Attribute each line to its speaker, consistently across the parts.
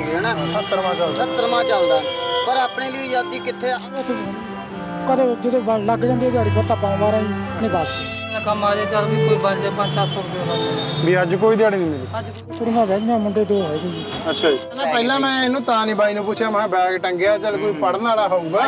Speaker 1: ਹੋ ਗਿਆ ਨਾ 70ਵਾਂ ਚੱਲਦਾ ਪਰ ਆਪਣੇ ਲਈ ਆਜ਼ਾਦੀ ਕਿੱਥੇ ਆ
Speaker 2: ਕਦੇ ਜਦੋਂ ਲੱਗ ਜਾਂਦੀ ਦਿਹਾੜੀ ਫਿਰ ਤਾਂ ਪਾਉਂ ਮਾਰਾਂ ਨਹੀਂ ਬਸ
Speaker 3: ਕੰਮ ਆ ਜਾਏ ਚੱਲ ਵੀ ਕੋਈ ਬਣ ਜਾਏ 500-700 ਰੁਪਏ
Speaker 4: ਵੀ ਅੱਜ ਕੋਈ ਦਿਹਾੜੀ ਨਹੀਂ ਮਿਲੀ
Speaker 3: ਅੱਜ
Speaker 2: ਕੁੜੀਆਂ ਬਹਿਆਂ ਮੁੰਡੇ ਦੋ ਹੈਗੇ ਜੀ।
Speaker 4: ਅੱਛਾ ਜੀ ਪਹਿਲਾਂ ਮੈਂ ਇਹਨੂੰ ਤਾਂ ਨਹੀਂ ਬਾਈ ਨੂੰ ਪੁੱਛਿਆ ਮੈਂ ਬੈਗ ਟੰਗਿਆ ਚੱਲ ਕੋਈ ਪੜਨ ਵਾਲਾ ਹੋਊਗਾ।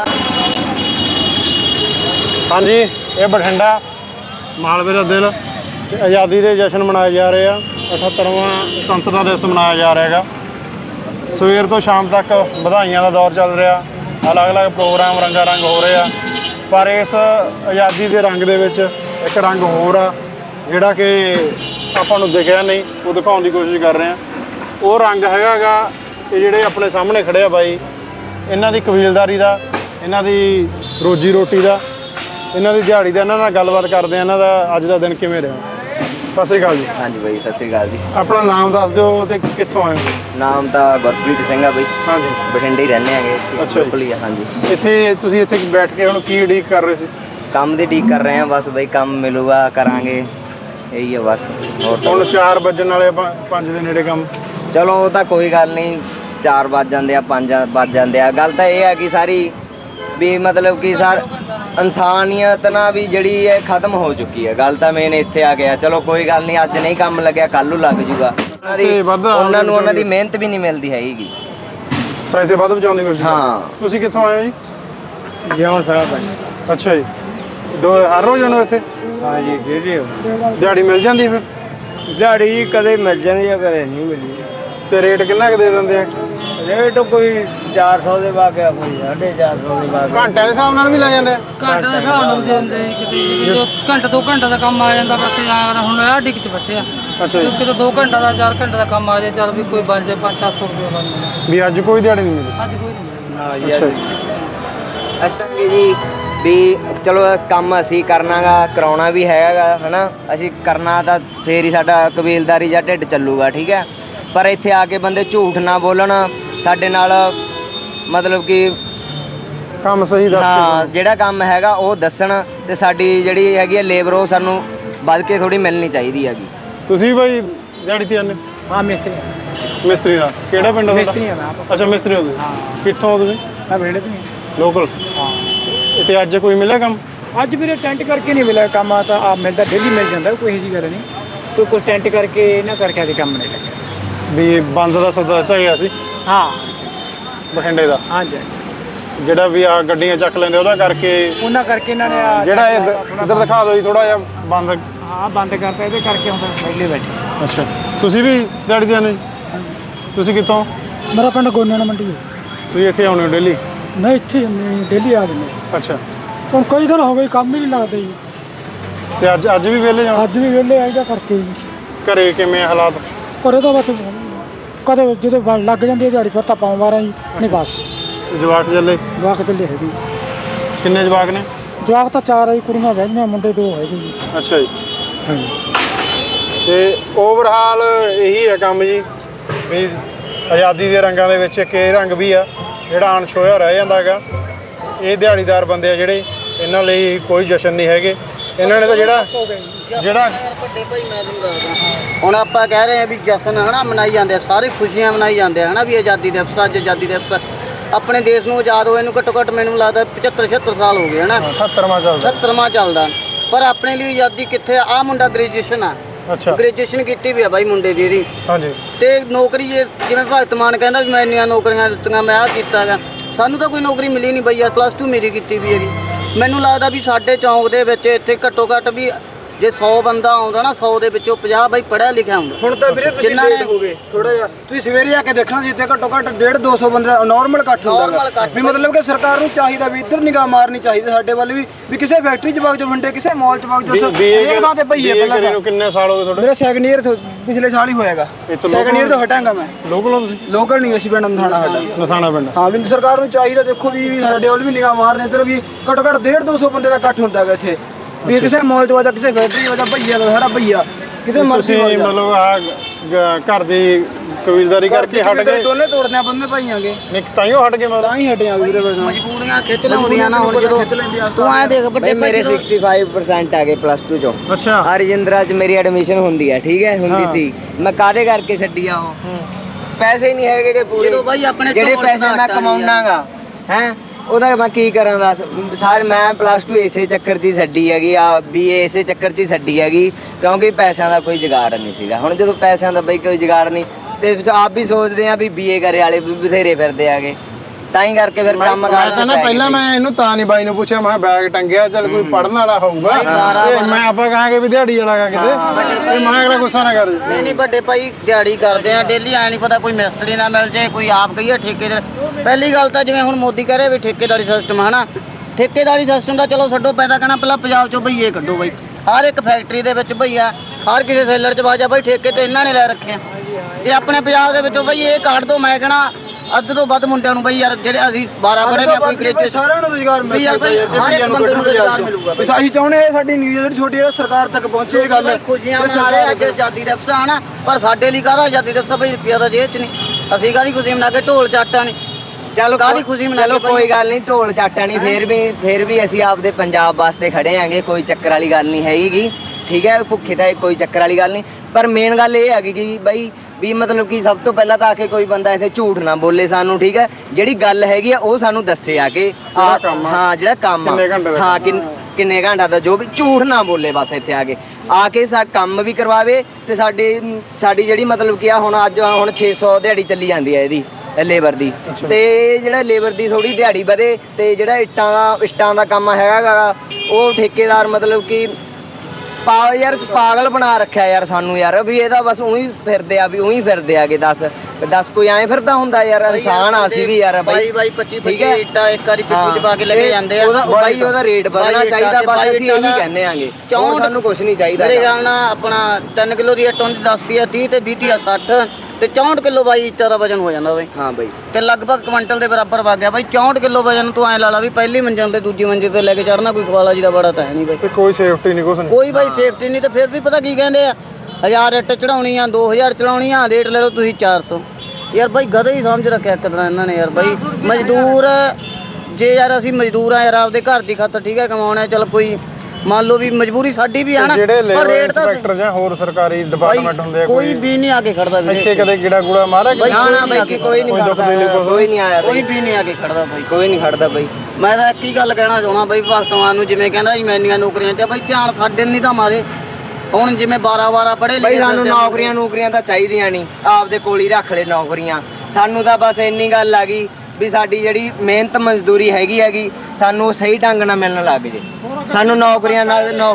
Speaker 4: ਹਾਂਜੀ ਇਹ ਬਠਿੰਡਾ ਮਾਲਵੇ ਦਾ ਦਿਲ ਤੇ ਆਜ਼ਾਦੀ ਦੇ ਜਸ਼ਨ ਮਨਾਏ ਜਾ ਰਹੇ ਆ 78ਵਾਂ ਸੁਤੰਤਰਤਾ ਦਿਵਸ ਮਨਾਇਆ ਜਾ ਰਿਹਾ ਹੈਗਾ। ਸਵੇਰ ਤੋਂ ਸ਼ਾਮ ਤੱਕ ਵਧਾਈਆਂ ਦਾ ਦੌਰ ਚੱਲ ਰਿਹਾ, ਅਲੱਗ-ਅਲੱਗ ਪ੍ਰੋਗਰਾਮ ਰੰਗਾ ਰੰਗ ਹੋ ਰਹੇ ਆ ਪਰ ਇਸ ਆਜ਼ਾਦੀ ਦੇ ਰੰਗ ਦੇ ਵਿੱਚ ਇੱਕ ਰੰਗ ਹੋਰ ਆ ਜਿਹੜਾ ਕਿ ਆਪਾਂ ਨੂੰ ਦਿਖਿਆ ਨਹੀਂ, ਉਹ ਦਿਖਾਉਣ ਦੀ ਕੋਸ਼ਿਸ਼ ਕਰ ਰਹੇ ਆ। ਉਹ ਰੰਗ ਹੈਗਾ ਗਾ ਇਹ ਜਿਹੜੇ ਆਪਣੇ ਸਾਹਮਣੇ ਖੜੇ ਆ ਬਾਈ, ਇਹਨਾਂ ਦੀ ਕਬੀਲਦਾਰੀ ਦਾ, ਇਹਨਾਂ ਦੀ ਰੋਜੀ ਰੋਟੀ ਦਾ, ਇਹਨਾਂ ਦੀ ਦਿਹਾੜੀ ਦਾ। ਇਹਨਾਂ ਨਾਲ ਗੱਲਬਾਤ ਕਰਦੇ ਆ ਇਹਨਾਂ ਦਾ ਅੱਜ ਦਾ ਦਿਨ ਕਿਵੇਂ ਰਿਹਾ। ਸਤਿ ਸ਼੍ਰੀ ਅਕਾਲ ਜੀ।
Speaker 5: ਹਾਂਜੀ ਬਾਈ ਸਤਿ ਸ਼੍ਰੀ ਅਕਾਲ ਜੀ।
Speaker 4: ਆਪਣਾ ਨਾਮ ਦੱਸ ਦਿਓ ਤੇ ਕਿੱਥੋਂ ਆਏ ਹੋ।
Speaker 5: ਨਾਮ ਤਾਂ ਗੁਰਪ੍ਰੀਤ ਸਿੰਘ ਆ ਬਾਈ,
Speaker 4: ਹਾਂਜੀ
Speaker 5: ਬਠਿੰਡੇ ਹੀ ਰਹਿੰਦੇ ਆਂਗੇ।
Speaker 4: ਅੱਛਾ ਜੀ।
Speaker 5: ਲੋਕਲ ਹੀ ਆ, ਹਾਂਜੀ।
Speaker 4: ਇੱਥੇ ਤੁਸੀਂ ਇੱਥੇ ਬੈਠ ਕੇ ਹੁਣ ਕੀ ਉਡੀਕ ਕਰ ਰਹੇ ਸੀ।
Speaker 5: ਕੰਮ ਦੀ ਉਡੀਕ ਕਰ ਰਹੇ ਆ ਬਸ ਬਾਈ, ਕੰਮ ਮਿਲੂਗਾ ਕਰਾਂਗੇ, ਇਹੀ ਆ ਬਸ। ਹੋਰ ਤਾਂ
Speaker 4: ਹੁਣ 4 ਵੱਜਣ ਵਾਲੇ 5 ਦੇ ਨੇੜੇ ਕੰਮ।
Speaker 5: ਚਲੋ ਉਹ ਤਾਂ ਕੋਈ ਗੱਲ ਨਹੀਂ, 4 ਵੱਜ ਜਾਂਦੇ ਆ 5 ਵੱਜ ਜਾਂਦੇ ਆ। ਗੱਲ ਤਾਂ ਇਹ ਆ ਕਿ ਸਾਰੀ ਵੀ ਮਤਲਬ ਕਿ ਇਨਸਾਨੀਅਤ ਨਾ ਵੀ ਜਿਹੜੀ ਹੈ ਖਤਮ ਹੋ ਚੁੱਕੀ ਹੈ। ਗੱਲ ਤਾਂ ਮੇਨ ਇੱਥੇ ਆ ਗਿਆ। ਚਲੋ ਕੋਈ ਗੱਲ ਨਹੀਂ, ਅੱਜ ਨਹੀਂ ਕੰਮ ਲੱਗਿਆ ਕੱਲ੍ਹ ਨੂੰ ਲੱਗ ਜੂਗਾ। ਉਹਨਾਂ ਨੂੰ ਉਹਨਾਂ ਦੀ ਮਿਹਨਤ ਵੀ ਨਹੀਂ ਮਿਲਦੀ ਹੈਗੀ,
Speaker 4: ਪੈਸੇ ਵੱਧ ਬਚਾਉਣ ਦੀ ਕੋਸ਼ਿਸ਼।
Speaker 5: ਹਾਂ।
Speaker 4: ਤੁਸੀਂ ਕਿੱਥੋਂ ਆਏ ਹੋ ਜੀ।
Speaker 2: ਜਿਉਂ ਸਾਰਾ ਭਾਈ।
Speaker 4: ਅੱਛਾ ਜੀ। ਹਰ ਰੋਜ਼ ਆਉਣਾ ਇੱਥੇ।
Speaker 2: ਹਾਂ ਜੀ ਡੇਲੀ
Speaker 4: ਦਿਹਾੜੀ ਮਿਲ ਜਾਂਦੀ ਫਿਰ।
Speaker 2: ਦਿਹਾੜੀ ਕਦੇ ਮਿਲ ਜਾਂਦੀ ਆ ਕਦੇ ਨਹੀਂ ਮਿਲਦੀ।
Speaker 4: ਤੇ ਰੇਟ ਕਿੰਨਾ ਕੁ ਦੇ ਦਿੰਦੇ ਆ।
Speaker 2: ਰੇਟ ਕੋਈ 400 ਦੇ ਬਾਕਿਆ ਕੋਈ 450 ਦੇ ਬਾਕਿਆ।
Speaker 4: ਘੰਟਿਆਂ ਦੇ ਹਿਸਾਬ ਨਾਲ ਵੀ ਲੈ ਜਾਂਦੇ ਆ।
Speaker 3: ਘੰਟੇ ਦੇ ਹਿਸਾਬ ਨਾਲ ਦੇ ਦਿੰਦੇ ਕਿਤੇ ਜਦੋਂ ਘੰਟਾ 2 ਘੰਟਾ ਦਾ ਕੰਮ ਆ ਜਾਂਦਾ ਬੱਤੇ ਆ ਹੁਣ ਆ ਡਿੱਗ ਚ ਬੈਠੇ ਆ।
Speaker 4: ਅੱਛਾ ਜੀ।
Speaker 3: ਕਿਤੇ 2 ਘੰਟਾ ਦਾ 4 ਘੰਟੇ ਦਾ ਕੰਮ ਆ ਜਾਏ ਚੱਲ ਵੀ ਕੋਈ ਬਣ ਜਾਏ 500-700 ਰੁਪਏ ਬਣ ਜਾਏ।
Speaker 4: ਵੀ ਅੱਜ ਕੋਈ ਦਿਹਾੜੀ ਨਹੀਂ ਮਿਲੀ।
Speaker 3: ਅੱਜ ਕੋਈ ਨਹੀਂ।
Speaker 2: ਨਾ
Speaker 4: ਅੱਛਾ ਜੀ।
Speaker 5: ਅਸੀਂ ਤਾਂ ਜੀ ਵੀ ਚਲੋ ਕੰਮ ਅਸੀਂ ਕਰਨਾਗਾ, ਕਰਾਉਣਾ ਵੀ ਹੈਗਾ ਹਨਾ। ਅਸੀਂ ਕਰਨਾ ਤਾਂ ਫੇਰ ਹੀ ਸਾਡਾ ਕਬੀਲਦਾਰੀ ਜਾਂ ਢਿੱਡ ਚੱਲੂਗਾ, ਠੀਕ ਹੈ। ਪਰ ਇੱਥੇ ਆ ਕੇ ਬੰਦੇ ਝੂਠ ਨਾ ਬੋਲਣ ਸਾਡੇ ਨਾਲ, ਮਤਲਬ ਕਿ
Speaker 4: ਕੰਮ ਸਹੀ ਦੱਸ
Speaker 5: ਹਾਂ ਜਿਹੜਾ ਕੰਮ ਹੈਗਾ ਉਹ ਦੱਸਣ ਤੇ ਸਾਡੀ ਜਿਹੜੀ ਹੈਗੀ ਹੈ ਲੇਬਰ ਉਹ ਸਾਨੂੰ ਵੱਧ ਕੇ ਥੋੜੀ ਮਿਲਣੀ ਚਾਹੀਦੀ ਹੈਗੀ।
Speaker 4: ਤੁਸੀਂ ਬਾਈ ਦਿਹਾੜੀ ਤੇ ਆਨੇ।
Speaker 2: ਹਾਂ ਮਿਸਤਰੀ
Speaker 4: ਮਿਸਤਰੀ ਨਾਲ ਕਿਹੜਾ ਪਿੰਡ ਆ
Speaker 2: ਮਿਸਤਰੀ ਆ
Speaker 4: ਤੁਹਾਡਾ।
Speaker 2: ਮੈਂ।
Speaker 4: ਅੱਛਾ ਮਿਸਤਰੀ ਹੋ ਤੁਸੀਂ।
Speaker 2: ਹਾਂ।
Speaker 4: ਕਿੱਥੋਂ ਹੋ ਤੁਸੀਂ।
Speaker 2: ਮੈਂ ਬਠਿੰਡੇ ਤੋਂ ਹੀ
Speaker 4: ਲੋਕਲ।
Speaker 2: ਹਾਂ।
Speaker 4: ਇੱਥੇ ਅੱਜ ਕੋਈ ਮਿਲਿਆ ਕੰਮ।
Speaker 2: ਅੱਜ ਵੀਰੇ ਟੈਂਟ ਕਰਕੇ ਨਹੀਂ ਮਿਲਿਆ ਕੰਮ। ਆ ਤਾਂ ਆ ਮਿਲਦਾ ਡੇਲੀ ਮਿਲ ਜਾਂਦਾ, ਕੋਈ ਇਹੋ ਜਿਹੀ ਗੱਲ ਨਹੀਂ। ਕੋਈ ਕੁਛ ਟੈਂਟ ਕਰਕੇ ਇਹਨਾਂ ਕਰਕੇ ਅੱਜ ਕੰਮ ਨਹੀਂ ਲੱਗਿਆ।
Speaker 4: ਵੀ ਬੰਦ ਦਾ ਸੱਦਾ ਦਿੱਤਾ ਗਿਆ ਸੀ
Speaker 2: ਹਾਂ
Speaker 4: ਬਠਿੰਡੇ ਦਾ,
Speaker 2: ਹਾਂਜੀ
Speaker 4: ਜਿਹੜਾ ਵੀ ਆ ਗੱਡੀਆਂ ਚੱਕ ਲੈਂਦੇ ਉਹਦਾ ਕਰਕੇ।
Speaker 2: ਉਹਨਾਂ ਕਰਕੇ ਇਹਨਾਂ ਨੇ
Speaker 4: ਜਿਹੜਾ ਇਹ ਇੱਧਰ ਦਿਖਾ ਦਿਓ ਜੀ ਥੋੜਾ ਜਿਹਾ ਬੰਦ।
Speaker 2: ਹਾਂ ਬੰਦ ਕਰਤਾ, ਇਹਦੇ ਕਰਕੇ ਹੁਣ ਪਹਿਲੇ ਬੈਠੇ।
Speaker 4: ਅੱਛਾ ਤੁਸੀਂ ਵੀ ਦਿਹਾੜੀ ਤੇ ਆਨੇ ਜੀ। ਤੁਸੀਂ ਕਿੱਥੋਂ।
Speaker 2: ਮੇਰਾ ਪਿੰਡ ਗੋਨਿਆਣਾ ਮੰਡੀ ਹੈ।
Speaker 4: ਤੁਸੀਂ ਇੱਥੇ ਆਉਣੇ ਹੋ ਡੇਲੀ।
Speaker 2: ਨਹੀਂ ਇੱਥੇ ਡੇਲੀ ਆ ਜਾਂਦੇ।
Speaker 4: ਅੱਛਾ
Speaker 2: ਹੁਣ ਕਈ ਦਿਨ ਹੋ ਗਏ ਕੰਮ ਹੀ ਨਹੀਂ ਲੱਗਦਾ ਜੀ।
Speaker 4: ਤੇ ਅੱਜ ਵੀ ਵਿਹਲੇ ਜਾਣਾ।
Speaker 2: ਅੱਜ ਵੀ ਵਿਹਲੇ ਆਈਦਾ ਕਰਕੇ ਜੀ।
Speaker 4: ਘਰੇ ਕਿਵੇਂ ਹਾਲਾਤ।
Speaker 2: ਘਰੇ ਤਾਂ ਬਸ ਕਦੇ ਜਦੋਂ ਲੱਗ ਜਾਂਦੀ ਦਿਹਾੜੀ ਫਿਰ ਤਾਂ ਪਾਉਂ ਮਾਰਾਂ ਜੀ ਨਹੀਂ ਬਸ।
Speaker 4: ਜਵਾਕ ਚੱਲੇ।
Speaker 2: ਜਵਾਕ ਚੱਲੇ ਹੈਗੇ।
Speaker 4: ਕਿੰਨੇ ਜਵਾਕ ਨੇ।
Speaker 2: ਜਵਾਕ ਤਾਂ 4 ਆਈ, ਕੁੜੀਆਂ ਬਹਿਆਂ ਮੁੰਡੇ 2 ਹੈਗੇ ਜੀ।
Speaker 4: ਅੱਛਾ ਜੀ।
Speaker 2: ਹਾਂਜੀ।
Speaker 4: ਤੇ ਓਵਰਹਾਲ ਇਹੀ ਹੈ ਕੰਮ ਜੀ ਵੀ ਆਜ਼ਾਦੀ ਦੇ ਰੰਗਾਂ ਦੇ ਵਿੱਚ ਇੱਕ ਇਹ ਰੰਗ ਵੀ ਆ ਜਿਹੜਾ ਅਣਛੋਇਆ ਰਹਿ ਜਾਂਦਾ ਹੈਗਾ। ਇਹ ਦਿਹਾੜੀਦਾਰ ਬੰਦੇ ਆ ਜਿਹੜੇ, ਇਹਨਾਂ ਲਈ ਕੋਈ ਜਸ਼ਨ ਨਹੀਂ ਹੈਗੇ। ਇਹਨਾਂ ਨੇ ਤਾਂ ਜਿਹੜਾ
Speaker 1: ਵੱਡੇ ਭਾਈ ਮੈਂ ਤੁਹਾਨੂੰ ਦੱਸਦਾ ਹੁਣ ਆਪਾਂ ਕਹਿ ਰਹੇ ਆ ਵੀ ਜਸ਼ਨ ਹਨਾ ਮਨਾਈ ਜਾਂਦੇ ਆ, ਸਾਰੇ ਖੁਸ਼ੀਆਂ ਮਨਾਈ ਜਾਂਦੇ ਆ ਹਨਾ ਵੀ ਆਜ਼ਾਦੀ ਦਿਵਸ। ਅੱਜ ਆਜ਼ਾਦੀ ਦਿਵਸ ਆਪਣੇ ਦੇਸ਼ ਨੂੰ ਆਜ਼ਾਦ ਹੋਏ ਨੂੰ ਘੱਟੋ ਘੱਟ ਮੈਨੂੰ ਲੱਗਦਾ 75-76 ਸਾਲ ਹੋ ਗਏ ਹਨਾ। 70ਵਾਂ ਚੱਲਦਾ ਪਰ ਆਪਣੇ ਲਈ ਆਜ਼ਾਦੀ ਕਿੱਥੇ ਆ। ਮੁੰਡਾ ਗ੍ਰੈਜੂਏਸ਼ਨ ਆ।
Speaker 4: ਅੱਛਾ
Speaker 1: ਗ੍ਰੈਜੂਏਸ਼ਨ ਕੀਤੀ ਵੀ ਆ ਬਾਈ ਮੁੰਡੇ ਦੀ ਇਹਦੀ।
Speaker 4: ਹਾਂਜੀ।
Speaker 1: ਤੇ ਨੌਕਰੀ ਜਿਵੇਂ ਭਗਤ ਮਾਨ ਕਹਿੰਦਾ ਵੀ ਮੈਂ ਇੰਨੀਆਂ ਨੌਕਰੀਆਂ ਦਿੱਤੀਆਂ, ਮੈਂ ਆਹ ਕੀਤਾ ਹੈਗਾ। ਸਾਨੂੰ ਤਾਂ ਕੋਈ ਨੌਕਰੀ ਮਿਲੀ ਨਹੀਂ ਬਾਈ ਯਾਰ। +2 ਮੇਰੀ ਕੀਤੀ ਵੀ ਹੈਗੀ। ਮੈਨੂੰ ਲੱਗਦਾ ਵੀ ਸਾਡੇ ਚੌਂਕ ਦੇ ਵਿੱਚ ਇੱਥੇ ਘੱਟੋ ਘੱਟ ਵੀ ਜੇ 100 ਬੰਦਾ ਆਉਂਦਾ ਨਾ 100 ਦੇ ਵਿੱਚੋਂ 50 ਬਾਈ ਪੜ੍ਹਿਆ ਲਿਖਿਆ ਹੁੰਦਾ।
Speaker 6: ਹੁਣ ਤਾਂ ਵੀਰੇ ਤੁਸੀਂ ਲੇਟ ਹੋ ਗਏ ਥੋੜਾ ਜਿਹਾ। ਤੁਸੀਂ ਸਵੇਰੇ ਆ ਕੇ ਦੇਖਣਾ ਸੀ ਇੱਥੇ ਘੱਟੋ ਘੱਟ 150-200 ਬੰਦੇ ਦਾ ਨਾਰਮਲ ਇਕੱਠ ਹੁੰਦਾ ਵੀ ਮਤਲਬ ਕਿ ਸਰਕਾਰ ਨੂੰ ਚਾਹੀਦਾ ਵੀ ਇੱਧਰ ਨਿਗਾਹ ਮਾਰਨੀ ਚਾਹੀਦੀ ਸਾਡੇ ਵੱਲ ਵੀ ਕਿਸੇ ਫੈਕਟਰੀ 'ਚ ਵਗ ਜਾਓ ਬੰਦੇ, ਕਿਸੇ ਮਾਲ 'ਚ ਵਗ ਜਾਓ। ਇਹ ਥਾਂ ਤੇ ਭਈਏ ਪਹਿਲਾਂ
Speaker 4: ਨੂੰ ਕਿੰਨੇ ਸਾਲ ਹੋ ਗਏ ਤੁਹਾਡੇ।
Speaker 6: ਮੇਰਾ ਸੈਕੰਡ ਈਅਰ ਪਿਛਲੇ ਸਾਲ ਹੀ ਹੋਏਗਾ। ਸੈਕੰਡ ਈਅਰ ਤੋਂ ਹਟਾਂਗਾ ਮੈਂ।
Speaker 4: ਲੋਕਲ ਹੋ ਤੁਸੀਂ।
Speaker 6: ਲੋਕਲ ਨਹੀਂ, ਅਸੀਂ ਪਿੰਡ ਨਥਾਣਾ ਸਾਡਾ।
Speaker 4: ਨਥਾਣਾ ਪਿੰਡ।
Speaker 6: ਹਾਂ ਵੀ ਸਰਕਾਰ ਨੂੰ ਚਾਹੀਦਾ ਦੇਖੋ ਵੀ ਸਾਡੇ ਵੱਲ ਵੀ ਨਿਗਾਹ ਮਾਰਨੇ ਇੱਧਰ ਵੀ ਘੱਟੋ ਘੱਟ 150-200 ਬੰਦੇ ਦਾ ਇਕੱਠ ਹੁੰਦਾ ਹੈਗਾ ਇੱਥੇ। ਵੀ ਕਿਸੇ ਮਾਲ 'ਚ ਵਜਾ, ਕਿਸੇ ਫੈਕਟਰੀ ਵਜਾ, ਭਈਆ ਦਾ ਸਾਰਾ ਭਈਆ ਕਿਤੇ ਮਰਜ਼ੀ
Speaker 4: ਤੁਸੀਂ ਮਤਲਬ ਆ ਘਰ ਦੀ ਕਬੀਲਦਾਰੀ ਕਰਕੇ ਹਟ ਗਏ।
Speaker 6: ਦੋਨੇ ਤੋੜਨੇ ਆ ਬੰਦੇ ਭਾਈਆਂਗੇ।
Speaker 4: ਨਹੀਂ ਤਾਈਓ ਹਟ ਗਏ ਮਤਲਬ।
Speaker 6: ਤਾਂ ਹੀ ਹਟੇ ਆ ਵੀਰੇ।
Speaker 1: ਮਜਬੂਰੀਆਂ ਖਿੱਚ ਲਾਉਂਦੀਆਂ ਨਾ। ਹੁਣ ਜਦੋਂ ਤੂੰ ਆਏ ਦੇਖ ਵੱਡੇ
Speaker 5: ਮੇਰੇ 65% ਆ ਗਏ +2 ਚੋਂ।
Speaker 4: ਅੱਛਾ।
Speaker 5: ਰਜਿੰਦਰਾ 'ਚ ਮੇਰੀ ਐਡਮਿਸ਼ਨ ਹੁੰਦੀ ਹੈ, ਠੀਕ ਹੈ, ਹੁੰਦੀ ਸੀ। ਮੈਂ ਕਾਹਦੇ ਕਰਕੇ ਛੱਡੀ ਆ ਉਹ ਪੈਸੇ ਹੀ ਨਹੀਂ ਹੈਗੇ ਕਿ ਪੂਰੇ
Speaker 1: ਜਦੋਂ ਬਾਈ ਆਪਣੇ
Speaker 5: ਜਿਹੜੇ
Speaker 1: ਢੋਲ
Speaker 5: ਪੈਸੇ ਮੈਂ
Speaker 1: ਘਾਟਾਂ ਨਹੀਂ
Speaker 5: ਕਮਾਉਣਾਗਾ ਹੈ ਉਹਦਾ ਮੈਂ ਕੀ ਕਰਾਂ ਦੱਸ। ਸਾਰੇ ਮੈਂ ਪਲੱਸ 2 ਇਸੇ ਚੱਕਰ 'ਚ ਹੀ ਛੱਡੀ ਹੈਗੀ ਆ, BA ਇਸੇ ਚੱਕਰ 'ਚ ਹੀ ਛੱਡੀ ਹੈਗੀ ਕਿਉਂਕਿ ਪੈਸਿਆਂ ਦਾ ਕੋਈ ਜੁਗਾੜ ਨਹੀਂ ਸੀਗਾ। ਹੁਣ ਜਦੋਂ ਪੈਸਿਆਂ ਦਾ ਬਈ ਕੋਈ ਜੁਗਾੜ ਨਹੀਂ ਤੇ ਆਪ ਵੀ ਸੋਚਦੇ ਆ ਵੀ BA ਕਰੇ ਵਾਲੇ ਵੀ ਬਥੇਰੇ ਫਿਰਦੇ ਆਗੇ, ਤਾਂ ਹੀ ਕਰਕੇ ਫਿਰ ਕੰਮ
Speaker 4: ਮੈਂ
Speaker 5: ਕਰ
Speaker 4: ਕਹਿੰਦਾ ਪਹਿਲਾਂ ਮੈਂ ਇਹਨੂੰ ਤਾਂ ਨਹੀਂ ਬਾਈ ਨੂੰ ਪੁੱਛਿਆ, ਮੈਂ ਬੈਗ ਟੰਗਿਆ ਚੱਲ ਕੋਈ ਪੜਨ ਵਾਲਾ ਹੋਊਗਾ ਤੇ ਮੈਂ ਆਪਾਂ ਕਹਾਂਗੇ ਵੀ ਦਿਹਾੜੀ ਵਾਲਾ ਗਾ ਕਿਤੇ ਤੇ ਮੈਂ ਅਗਲਾ ਗੁੱਸਾ ਨਾ ਕਰ।
Speaker 1: ਨਹੀਂ ਵੱਡੇ ਭਾਈ ਦਿਹਾੜੀ ਕਰਦੇ ਆ ਡੇਲੀ, ਐ ਨਹੀਂ ਪਤਾ ਕੋਈ ਮਿਸਤਰੀ ਨਾ ਮਿਲ ਜੇ, ਕੋਈ ਆਪ ਕਹੀਏ ਠੇਕੇਦਾਰ। ਪਹਿਲੀ ਗੱਲ ਤਾਂ ਜਿਵੇਂ ਹੁਣ ਮੋਦੀ ਕਹਿ ਰਿਹਾ ਵੀ ਠੇਕੇਦਾਰੀ ਸਿਸਟਮ ਹਨਾ, ਠੇਕੇਦਾਰੀ ਸਿਸਟਮ ਦਾ ਚਲੋ ਛੱਡੋ, ਪੈਦਾ ਕਹਿਣਾ ਪਹਿਲਾਂ ਪੰਜਾਬ ਚੋਂ ਭਈਏ ਕੱਢੋ ਬਈ। ਹਰ ਇੱਕ ਫੈਕਟਰੀ ਦੇ ਵਿੱਚ ਭਈਆ, ਹਰ ਕਿਸੇ ਸੇਲਰ 'ਚ ਬਾਜਾ ਬਈ ਠੇਕੇ ਤੇ ਇਹਨਾਂ ਨੇ ਲੈ ਰੱਖੇ ਆ। ਜੇ ਆਪਣੇ ਪੰਜਾਬ ਦੇ ਵਿੱਚੋਂ ਬਈ ਇਹ ਕੱਢ ਦੋ, ਮੈਂ ਕਹਿਣਾ ਅੱਧ ਤੋਂ ਵੱਧ ਮੁੰਡਿਆਂ ਨੂੰ ਬਈ ਯਾਰ ਜਿਹੜੇ ਅਸੀਂ 12 ਪੜ੍ਹੇ ਨੇ ਕੋਈ ਗ੍ਰੈਜੂਏਸ਼ਨ
Speaker 6: ਸਾਰਿਆਂ ਨੂੰ ਰੁਜ਼ਗਾਰ ਮਿਲ
Speaker 1: ਯਾਰ ਬਈ ਹਰ ਇੱਕ ਬੰਦੇ ਨੂੰ ਰੁਜ਼ਗਾਰ ਮਿਲੂਗਾ ਬਈ।
Speaker 6: ਅਸੀਂ ਚਾਹੁੰਦੇ ਹਾਂ ਸਾਡੀ ਨਿਊਜ਼ ਜਿਹੜੀ ਛੋਟੀ ਹੈ ਸਰਕਾਰ ਤੱਕ ਪਹੁੰਚੇ ਇਹ ਗੱਲ।
Speaker 1: ਖੁਸ਼ੀਆਂ ਮਨਾ ਰਹੇ ਅੱਜ ਆਜ਼ਾਦੀ ਦਿਵਸ ਆ ਨਾ, ਪਰ ਸਾਡੇ ਲਈ ਕਾਹਦਾ ਆਜ਼ਾਦੀ ਦਿਵਸ ਆ ਬਈ, ਰੁਪਿਆ ਦਾ ਜੇਬ 'ਚ ਨਹੀਂ। ਅਸੀਂ ਕਾਹਦੀ ਖੁਸ਼ੀ ਮਨਾ ਕੇ ਢੋਲ ਚਾਟਾ ਨਹੀਂ,
Speaker 5: ਚਲੋ
Speaker 1: ਕਾਹਦੀ ਖੁਸ਼ੀ ਮਨਾ
Speaker 5: ਚਲੋ
Speaker 1: ਕੇ
Speaker 5: ਕੋਈ ਗੱਲ ਨਹੀਂ, ਢੋਲ ਚਾਟਾ ਨਹੀਂ, ਫੇਰ ਵੀ ਅਸੀਂ ਆਪਦੇ ਪੰਜਾਬ ਵਾਸਤੇ ਖੜੇ ਆਂਗੇ, ਕੋਈ ਚੱਕਰ ਵਾਲੀ ਗੱਲ ਨਹੀਂ ਹੈਗੀ। ਠੀਕ ਹੈ, ਭੁੱਖੇ ਤਾਂ ਕੋਈ ਚੱਕਰ ਵਾਲੀ ਗੱਲ ਨਹੀਂ, ਪਰ ਮੇਨ ਗੱਲ ਇਹ ਹੈਗੀ ਕਿ ਬਈ ਵੀ ਮਤਲਬ ਕਿ ਸਭ ਤੋਂ ਪਹਿਲਾਂ ਤਾਂ ਆ ਕੇ ਕੋਈ ਬੰਦਾ ਇੱਥੇ ਝੂਠ ਨਾ ਬੋਲੇ ਸਾਨੂੰ। ਠੀਕ ਹੈ, ਜਿਹੜੀ ਗੱਲ ਹੈਗੀ ਆ ਉਹ ਸਾਨੂੰ ਦੱਸੇ ਆ ਕਿ ਹਾਂ ਜਿਹੜਾ ਕੰਮ ਆ ਹਾਂ ਕਿੰਨੇ ਘੰਟਾ ਦਾ, ਜੋ ਵੀ ਝੂਠ ਨਾ ਬੋਲੇ ਬਸ ਇੱਥੇ ਆ ਕੇ ਕੰਮ ਵੀ ਕਰਵਾਵੇ ਤੇ ਸਾਡੀ ਜਿਹੜੀ ਮਤਲਬ ਕਿ ਆ ਹੁਣ 600 ਦਿਹਾੜੀ ਚੱਲੀ ਜਾਂਦੀ ਹੈ ਇਹਦੀ ਲੇਬਰ ਦੀ, ਤੇ ਜਿਹੜਾ ਲੇਬਰ ਦੀ ਥੋੜੀ ਦਿਹਾੜੀ ਵਧੇ ਤੇ ਜਿਹੜਾ ਇੱਟਾਂ ਦਾ ਕੰਮ ਹੈਗਾ ਉਹ ਠੇਕੇਦਾਰ ਮਤਲਬ ਕਿ ਯਾਰ ਪਾਗਲ ਬਣਾ ਰੱਖਿਆ ਯਾਰ ਸਾਨੂੰ ਯਾਰ, ਵੀ ਇਹਦਾ ਬਸ ਉਹੀ ਫਿਰਦੇ ਆਗੇ। ਦੱਸ ਕੋਈ ਐਂ ਫਿਰਦਾ ਹੁੰਦਾ ਯਾਰ, ਇਨਸਾਨ ਆ ਅਸੀਂ ਵੀ ਯਾਰ ਬਾਈ
Speaker 1: 25 ਇੱਟਾਂ ਇੱਕ ਵਾਰੀ ਪਿੱਛੇ ਪਾ ਕੇ ਲੈ ਕੇ ਜਾਂਦੇ ਆ।
Speaker 5: ਉਹਦਾ ਰੇਟ ਵਧਣਾ ਚਾਹੀਦਾ, ਬਸ ਅਸੀਂ ਇਹੀ ਕਹਿੰਦੇ ਆਂਗੇ, ਹੋਰ ਸਾਨੂੰ ਕੁਝ ਨਹੀਂ ਚਾਹੀਦਾ।
Speaker 1: ਮੇਰੇ ਖਿਆਲ ਨਾਲ ਆਪਣਾ 3 ਕਿਲੋ ਦੀ ਇੱਟ ਹੁੰਦੀ 10 ਦੀ ਆ 30 ਤੇ 20 ਦੀ ਆ 60 ਤੇ 64 ਕਿਲੋ ਬਾਈ ਇੱਟਾਂ ਦਾ ਵਜਨ ਹੋ ਜਾਂਦਾ ਬਾਈ।
Speaker 5: ਹਾਂ ਬਾਈ,
Speaker 1: ਤੇ ਲਗਭਗ ਕੁਇੰਟਲ ਦੇ ਬਰਾਬਰ ਵਗ ਗਿਆ ਬਾਈ। 64 ਕਿਲੋ ਵਜਨ ਤੂੰ ਐ ਲਾ ਲਾ ਵੀ ਪਹਿਲੀ ਮੰਜ਼ਿਲ ਤੇ ਦੂਜੀ ਮੰਜ਼ਿਲ ਤੇ ਲੈ ਕੇ ਚੜਨਾ ਕੋਈ ਖਵਾਲਾ ਜੀ ਦਾ ਬੜਾ ਤਾਂ ਹੈ ਨਹੀਂ ਬਾਈ,
Speaker 4: ਕੋਈ ਸੇਫਟੀ ਨਹੀਂ, ਕੁਛ ਨਹੀਂ
Speaker 1: ਕੋਈ ਬਾਈ ਸੇਫਟੀ ਨਹੀਂ। ਤੇ ਫਿਰ ਵੀ ਪਤਾ ਕੀ ਕਹਿੰਦੇ ਆ, 1000 ਇੱਟ ਚੜਾਉਣੀ ਆ, 2000 ਚੜਾਉਣੀ ਆ, ਰੇਟ ਲੈ ਲਓ ਤੁਸੀਂ 400। ਯਾਰ ਬਾਈ ਗਧੇ ਹੀ ਸਮਝ ਰੱਖਿਆ ਇੱਕ ਤਰ੍ਹਾਂ ਇਹਨਾਂ ਨੇ ਯਾਰ ਬਾਈ। ਮਜ਼ਦੂਰ ਜੇ ਯਾਰ ਅਸੀਂ ਮਜ਼ਦੂਰ ਆ ਯਾਰ, ਆਪਦੇ ਘਰ ਦੀ ਖਾਤਰ ਠੀਕ ਹੈ ਕਮਾਉਣਾ, ਚਲ ਕੋਈ ਮੰਨ ਲਓ ਵੀ ਮਜਬੂਰੀ ਸਾਡੀ ਵੀ ਹੈ ਨਾ,
Speaker 4: ਜਿਹੜੇ
Speaker 1: ਪਰ
Speaker 4: ਲੇਬਰ
Speaker 1: ਰੇਟ ਤਾਂ
Speaker 4: ਇੰਸਪੈਕਟਰ ਜਾਂ ਹੋਰ ਸਰਕਾਰੀ ਡਿਪਾਰਟਮੈਂਟ ਹੁੰਦੇ ਆ
Speaker 1: ਕੋਈ ਵੀ ਨਹੀਂ ਆ ਕੇ ਖੜਦਾ ਵੀਰੇ
Speaker 4: ਇੱਥੇ ਕਦੇ ਕੀੜਾ ਕੂੜਾ ਮਾਰਿਆ
Speaker 1: ਬਾਈ,
Speaker 5: ਨਾ ਬਾਈ ਕੋਈ ਨਹੀਂ ਖੜਦਾ, ਕੋਈ ਨਹੀਂ ਆਇਆ
Speaker 1: ਕੋਈ ਵੀ ਨਹੀਂ ਆ ਕੇ ਖੜਦਾ ਬਾਈ,
Speaker 5: ਕੋਈ ਨਹੀਂ ਖੜਦਾ ਬਾਈ।
Speaker 1: ਮੈਂ ਤਾਂ ਇੱਕ ਹੀ ਗੱਲ ਕਹਿਣਾ ਚਾਹਣਾ ਬਾਈ ਭਗਤ ਮਾਨ ਨੂੰ, ਜਿਵੇਂ ਕਹਿੰਦਾ ਜੀ ਮੈਂ ਇੰਨੀਆਂ ਨੌਕਰੀਆਂ ਤੇ ਬਾਈ ਧਿਆਨ ਸਾਡੇ ਨਹੀਂ ਤਾਂ ਮਾਰੇ। ਹੁਣ ਜਿਵੇਂ 12 ਪੜ੍ਹੇ
Speaker 5: ਬਾਈ
Speaker 1: ਲਿਖੇ
Speaker 5: ਸਾਨੂੰ ਨੌਕਰੀਆਂ ਤਾਂ ਚਾਹੀਦੀਆਂ ਨਹੀਂ, ਆਪਦੇ ਕੋਲ ਹੀ ਰੱਖ ਲੈ ਨੌਕਰੀਆਂ। ਸਾਨੂੰ ਤਾਂ ਬਸ ਇੰਨੀ ਗੱਲ ਆ ਗਈ ਵੀ ਸਾਡੀ ਜਿਹੜੀ ਮਿਹਨਤ ਮਜ਼ਦੂਰੀ ਹੈਗੀ ਸਾਨੂੰ ਸਹੀ ਢੰਗ ਨਾਲ ਮਿਲਣ ਲੱਗ ਜੇ। ਸਾਨੂੰ ਨੌਕਰੀਆਂ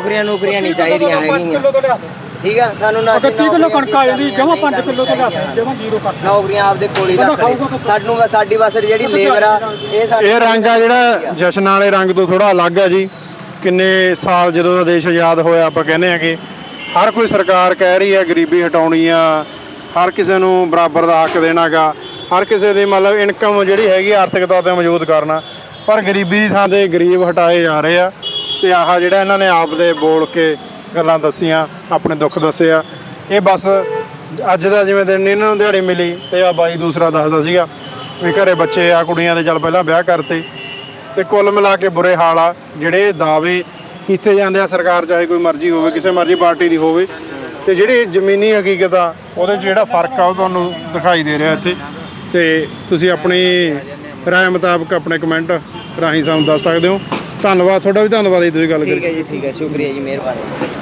Speaker 5: ਨਹੀਂ ਚਾਹੀਦੀਆਂ ਹੈਗੀਆਂ, ਠੀਕ ਆ। ਸਾਨੂੰ ਨਾ
Speaker 2: 30 ਕਿਲੋ ਕਣਕ ਆ ਜਾਂਦੀ, ਜਮਾ 5 ਕਿਲੋ ਤੋਂ ਲਿਆ ਜਮਾ 0 ਕਰ
Speaker 5: ਨੌਕਰੀਆਂ ਆਪਦੇ ਕੋਲ ਹੀ ਰੱਖ ਲੈ। ਸਾਡੀ ਬਸ ਜਿਹੜੀ ਲੇਬਰ ਆ
Speaker 4: ਇਹ ਰੰਗ ਆ ਜਿਹੜਾ ਜਸ਼ਨ ਵਾਲੇ ਰੰਗ ਤੋਂ ਥੋੜਾ ਅਲੱਗ ਆ ਜੀ। ਕਿੰਨੇ ਸਾਲ ਜਦੋਂ ਦਾ ਦੇਸ਼ ਆਜ਼ਾਦ ਹੋਇਆ ਆਪਾਂ ਕਹਿੰਦੇ ਆ ਕਿ ਹਰ ਕੋਈ ਸਰਕਾਰ ਕਹਿ ਰਹੀ ਹੈ ਗਰੀਬੀ ਹਟਾਉਣੀ ਆ, ਹਰ ਕਿਸੇ ਨੂੰ ਬਰਾਬਰ ਦਾ ਹੱਕ ਦੇਣਾਗਾ, ਹਰ ਕਿਸੇ ਦੀ ਮਤਲਬ ਇਨਕਮ ਜਿਹੜੀ ਹੈਗੀ ਆਰਥਿਕ ਤੌਰ ਤੇ ਮੌਜੂਦ ਕਰਨਾ, ਪਰ ਗਰੀਬੀ ਦੀ ਥਾਂ ਤੇ ਗਰੀਬ ਹਟਾਏ ਜਾ ਰਹੇ ਆ। ਤੇ ਆਹ ਜਿਹੜਾ ਇਹਨਾਂ ਨੇ ਆਪ ਦੇ ਬੋਲ ਕੇ ਗੱਲਾਂ ਦੱਸੀਆਂ, ਆਪਣੇ ਦੁੱਖ ਦੱਸੇ ਆ, ਇਹ ਬਸ ਅੱਜ ਦਾ ਜਿਵੇਂ ਦਿਨ ਇਹਨਾਂ ਨੂੰ ਦਿਹਾੜੀ ਮਿਲੀ ਤੇ ਆ ਬਾਈ ਦੂਸਰਾ ਦੱਸਦਾ ਸੀਗਾ ਵੀ ਘਰੇ ਬੱਚੇ ਆ, ਕੁੜੀਆਂ ਦੇ ਚੱਲ ਪਹਿਲਾਂ ਵਿਆਹ ਕਰਤੇ। ਤੇ ਕੁੱਲ ਮਿਲਾ ਕੇ ਬੁਰੇ ਹਾਲ ਆ। ਜਿਹੜੇ ਦਾਅਵੇ ਕੀਤੇ ਜਾਂਦੇ ਆ ਸਰਕਾਰ ਚਾਹੇ ਕੋਈ ਮਰਜ਼ੀ ਹੋਵੇ, ਕਿਸੇ ਮਰਜ਼ੀ ਪਾਰਟੀ ਦੀ ਹੋਵੇ, ਤੇ ਜਿਹੜੀ ਜ਼ਮੀਨੀ ਹਕੀਕਤ ਆ ਉਹਦੇ 'ਚ ਜਿਹੜਾ ਫਰਕ ਆ ਉਹ ਤੁਹਾਨੂੰ ਦਿਖਾਈ ਦੇ ਰਿਹਾ ਇੱਥੇ। ਤੇ ਤੁਸੀਂ ਆਪਣੀ ਰਾਏ ਮੁਤਾਬਕ ਆਪਣੇ ਕਮੈਂਟ ਰਾਹੀਂ ਸਾਨੂੰ ਦੱਸ ਸਕਦੇ ਹੋ। ਧੰਨਵਾਦ ਤੁਹਾਡਾ ਵੀ, ਧੰਨਵਾਦ ਜੀ ਤੁਸੀਂ ਗੱਲ ਕੀਤੀ।
Speaker 5: ਠੀਕ ਹੈ ਜੀ, ਠੀਕ ਹੈ, ਸ਼ੁਕਰੀਆ ਜੀ, ਮਿਹਰਬਾਨੀ।